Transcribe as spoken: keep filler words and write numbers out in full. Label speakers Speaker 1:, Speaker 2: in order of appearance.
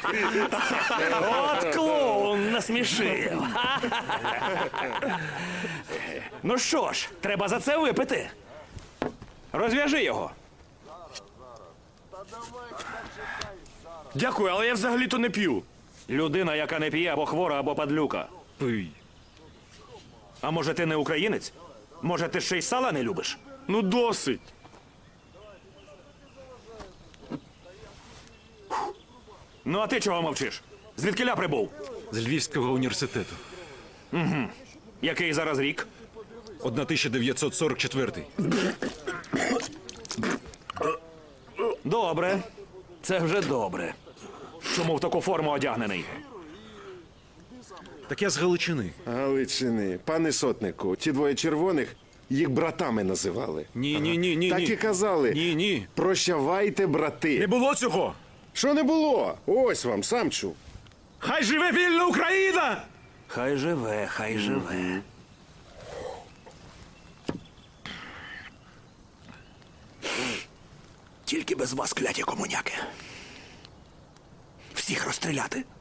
Speaker 1: От клоун насмішив. Ну що ж, треба за це випити. Розв'яжи його.
Speaker 2: Дякую, але я взагалі-то не п'ю.
Speaker 1: Людина, яка не п'є, або хвора, або падлюка.
Speaker 2: Пий.
Speaker 1: А може ти не українець? Може ти ще й сала не любиш?
Speaker 2: Ну досить.
Speaker 1: Ну а ти чого мовчиш? Звідкиля прибув?
Speaker 3: З Львівського університету.
Speaker 1: Який зараз рік?
Speaker 3: тисяча дев'ятсот сорок четвертий.
Speaker 1: Добре. Це вже добре. Чому в таку форму одягнений?
Speaker 3: Так я з Галичини.
Speaker 4: Галичини. Пане сотнику, ті двоє червоних їх братами називали.
Speaker 3: Ні, ні, ні, ні.
Speaker 4: Так
Speaker 3: ні.
Speaker 4: і казали.
Speaker 3: Ні, ні.
Speaker 4: Прощавайте, брати.
Speaker 3: Не було цього.
Speaker 4: Що не було? Ось вам, сам чув.
Speaker 2: Хай живе вільна Україна!
Speaker 1: Хай живе, хай живе. Тільки без вас, кляті комуняки. Всіх розстріляти.